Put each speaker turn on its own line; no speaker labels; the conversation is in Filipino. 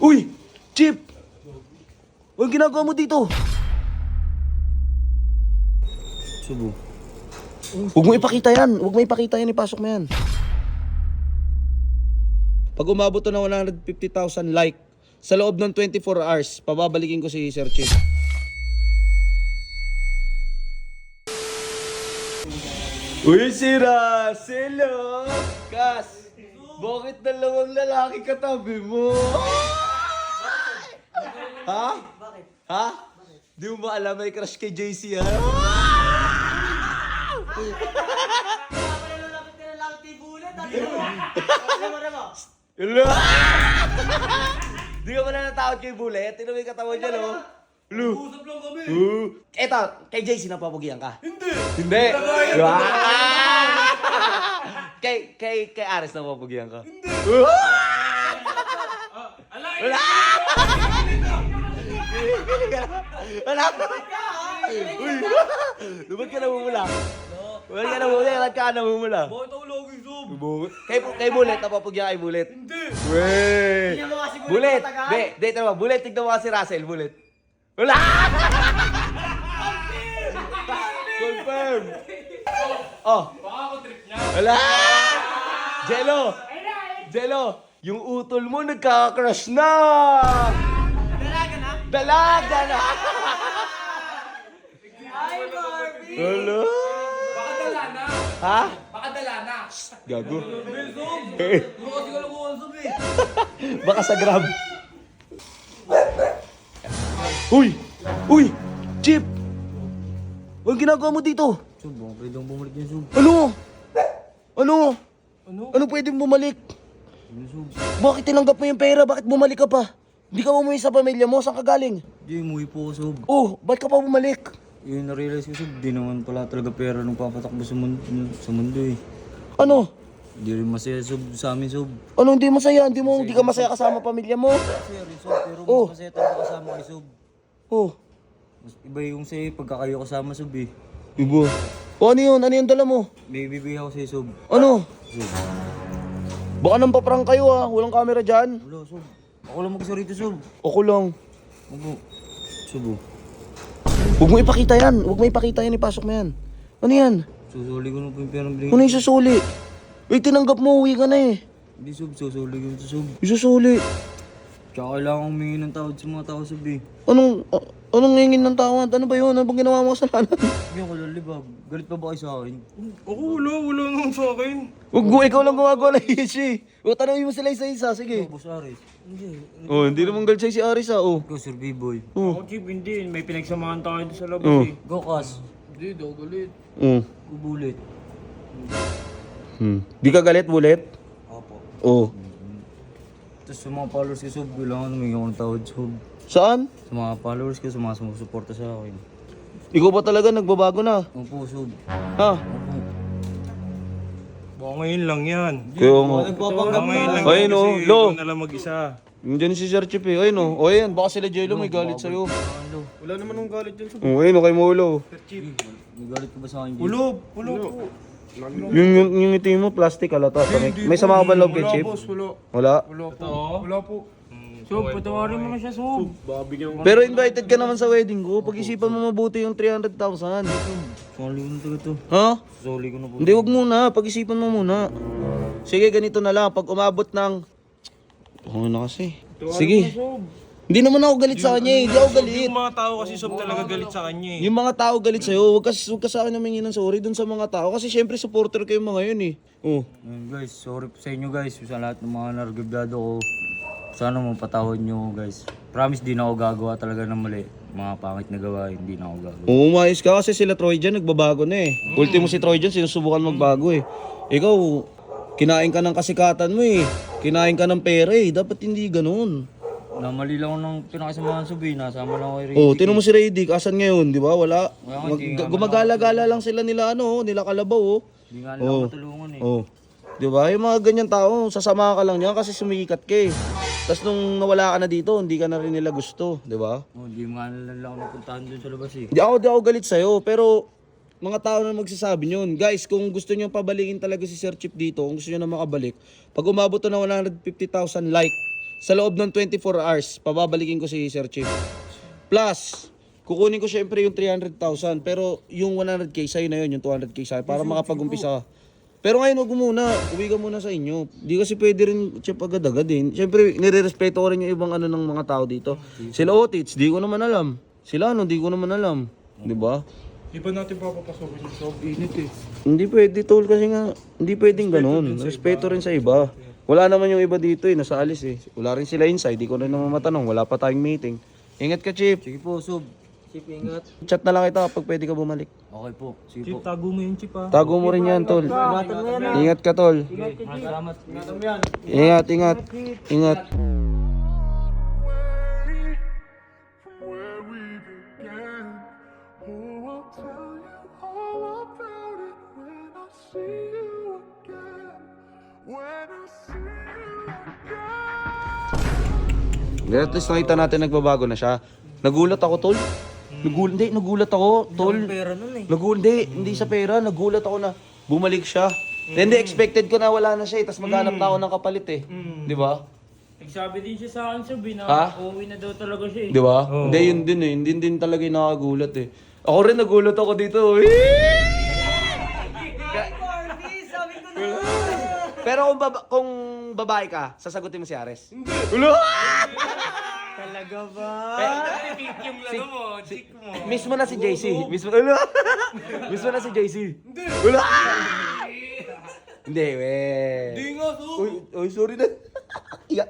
Uy! Chip! Anong ginagawa mo dito?
Subo.
Huwag mo ipakita yan. Huwag mo ipakita yan. Ipasok mo yan. Pag umabot to ng 150,000 like, sa loob ng 24 hours, pababalikin ko si Sir Chip. Uy, si Russell, oh! Kas, bakit dalawang lalaki katabi mo? Ha?
Bakit?
Ha? Di mo ba alam may crush kay JC, ha?
Kaya pala lalapit ka na lang kay Bullet. Dati mo. Ano mo?
Hello? Di ka pala natakot kay Bullet? Tino may katawan niya, no? Hello?
Usap lang kami.
Eto, kay JC napapagiyan ka?
Hindi.
Hindi. Kay Ares napapagiyan ka? Hindi. Wala! Wala! Uy! Lumad ka namumula. Lumad ka namumula. Lumad ka namumula.
Bakit ako lagi zoom?
Kay Bullet, napapagyan kay Bullet.
Hindi.
Wey!
Tingnan mo kasi
Bullet!
matagal.
Di, tama. Bullet, tignan mo kasi Russell. Bullet. Wala! Confirm! Oh!
Baka ako trip niya.
Wala! Jello! Jello! Yung utol mo nagkaka-crush na!
Dalaga na?
Dalaga na!
Ay, Barbie!
Wala!
Baka dala na.
Ha?
Baka dala na.
Gago.
Zoom. Bukas ko lang kung zoom eh.
Baka sa Grab. Uy! Uy! Chip! Anong ginagawa mo dito?
Sub, baka pwede akong bumalik niya, Sub.
Ano? Ano?
Ano?
Ano pwedeng bumalik?
Ano, Sub?
Bakit tinanggap mo yung pera? Bakit bumalik ka pa? Hindi ka umuwi sa pamilya mo? Saan ka galing?
Di, umuwi po ako, Sub.
Oh, bakit ka pa bumalik?
Yun, na-realize ko, Sub, di naman pala talaga pera nung papatakbo sa mundo eh.
Ano?
Di rin masaya, Sub, sa amin, Sub.
Ano hindi masaya? Hindi ka masaya kasama pamilya mo?
Masaya rin, Sub, pero mas
Oh.
masaya talaga kasama kay Sub.
Oh,
Mas iba yung sa'yo pagka kayo kasama, Sub eh.
iba. O ano yun? Ano yung dala mo?
May bibigay ako sa'yo, Sub.
Ano?
Sub.
Baka nang paprang kayo ah. Walang camera dyan.
Wala, Sub. Ako lang mag-isa rito, Sub.
Ako lang.
Ako. Sub, oh.
Huwag mo ipakita yan. Huwag mo ipakita yan. Ipasok mo yan. Ano yan?
Susuli ko na po yung perang binigay.
Ano yung susuli? Wait, tinanggap mo. Uwi ka na eh.
Hindi, Sub. Susuli ko ito, Sub.
Yung susuli.
Tsaka kailangan humingi ng tawad sa mga tao, Sub eh.
Anong ngingin ng tawad? Ano ba yun? Ano bang ginawa mo sa kasalanan?
Hindi ako lalibag. Galit pa ba kayo sa akin?
Ako wala naman sa akin.
Huwag mo, ikaw lang gumagawa ng issue. O, tanongin mo sila isa-isa. Sige.
Boss Aris. Hindi.
Oh, hindi naman galit sa'yo si Aris ah. Oh.
Ikaw, Sir B-Boy.
Oh.
Ako Chip, hindi. May pinagsamahan tayo doon sa labas
Oh.
eh.
Go, Kas.
Hindi, daw galit.
Oh.
Ubulit.
Di ka galit, Bullet?
Opo.
Oh.
Tapos sa mga followers ko, Sub, kailangan humingi ako ng tawad, Sub.
Saan?
Sa mga followers ko, sa mga sumusuporta sa akin.
Ikaw ba talaga nagbabago na?
Opo, Sub.
Ha?
Opo.
Baka ngayon lang yan.
Kaya mo.
Nagpapanggap
Ngayon lang
Ayun,
yan
oh,
kasi
Lo.
ikaw na lang mag-isa.
Nandiyan si Sir Chip eh. Ayun oh. O ayan, baka sila Jello may galit sa'yo.
Ano?
Wala naman ng galit dyan sa
Oh, ayun oh, kay Molo.
May galit ka ba sa akin, Jay?
Ulob po.
Yung ngiti mo, plastic halata. May sama ka ba loob kay Chip? Wala.
Wala po. Sob, patawarin mo na siya, Sob. Baka bigyan ko.
Pero invited ka naman sa wedding ko. Pag-isipan mo mabuti yung 300,000.
Soli ko na talaga to.
Ha?
Soli ko na po.
Hindi, wag muna. Pag-isipan mo muna. Sige, ganito na lang. Pag umabot ng... Oo na kasi. Sige. Hindi naman ako galit sa kanya eh. Hindi ako galit.
Yung mga tao kasi Sob talaga galit sa kanya eh.
Yung mga tao galit sa'yo, wag ka sa akin namingi ng sorry dun sa mga tao. Kasi syempre supporter kayo mga yun eh. Oh.
Ayun, guys, sorry po sa inyo, guys. Sa lahat ng mga nargablado ko. Sana mapatawad nyo, guys. Promise, di na ako gagawa talaga ng mali. Mga pangit na gawain, di na ako gagawa.
Umayos ka kasi sila Troy dyan nagbabago na eh. Ultimo si Troy dyan sinusubukan magbago eh. Ikaw, kinain ka ng kasikatan mo eh. Kinain ka ng pera eh. Dapat hindi ganun.
Namali lang ako ng pinakasamahan subi. Nasama lang ako kay Ray.
Oh, tinan mo si Raydick. Asan ngayon, di ba? Wala.
Wala, hindi nga
Gumagala-gala lang sila nila ano, nila Kalabaw oh.
Di nga nila ako matulungan eh.
Oh. Di ba? Yung mga ganyan tao, sasama ka lang niyan kasi sumikat ka eh. Tapos nung nawala ka na dito, hindi ka na rin nila gusto, di ba?
Oh, di nga nila lang ako napuntahan dun sa labas eh.
Di ako galit sa'yo, pero mga tao na magsasabi yun. Guys, kung gusto nyo pabalikin talaga si Sir Chip dito, kung gusto nyo na makabalik, pag umabot to ng 150,000 like, sa loob ng 24 hours, pababalikin ko si Sir Chief. Plus, kukunin ko syempre yung 300,000. Pero yung 100k sa'yo na yun, yung 200k sa'yo, para makapag-umpisa ka. Pero ngayon, huwag muna. Uwi ka muna sa inyo. Di kasi pwede rin Chip agad-agad eh. Syempre, nire-respeto ko rin yung ibang ano ng mga tao dito. Sila Otits, di ko naman alam. Sila di ko naman alam. Di ba?
Di ba natin papapasokin yung sob? Init eh.
Hindi pwede tol kasi nga, hindi pwedeng ganun. Respeto rin sa iba. Wala naman yung iba dito eh, nasa alis eh. Wala rin sila inside, di ko na naman matanong. Wala pa tayong meeting. Ingat ka, Chip.
Sige po, Sob.
Chip, ingat.
Chat na lang kita kapag pwede ka bumalik.
Okay po. Sige
Chip,
po.
tago mo yung chip ah.
Tago mo rin yan, tol.
Ingatan mo yan ha.
Ingat ka, tol.
Salamat.
Ingatan mo yan.
Ingat, ingat. Ingat.
Where we began. Oh, I'll tell you all about it when I see you again. When I see you again.
At least nakita natin nagbabago na siya. Nagulat ako, tol. Nagulat ako, tol.
Pera nun eh.
Hindi sa pera. Nagulat ako na bumalik siya. Hindi, expected ko na wala na siya eh. Tapos maghanap na ako ng kapalit eh. Di ba?
Nagsabi din siya sa akin, Sob, na
Ha?
uuwi na daw talaga siya eh.
Di ba? Hindi, yun din eh. Hindi din talaga yung nakagulat eh. Ako rin nagulat ako dito.
Corby, sabi ko na.
Pero kung babae ka, sasagutin mo si Ares? Hindi. Ulo!
Talaga ba?
Yung laro mo, chick mo.
Mismo na si JC. Mismo na si JC. Hindi. Ulo! Hindi, we. Hindi nga, Uy, sorry na.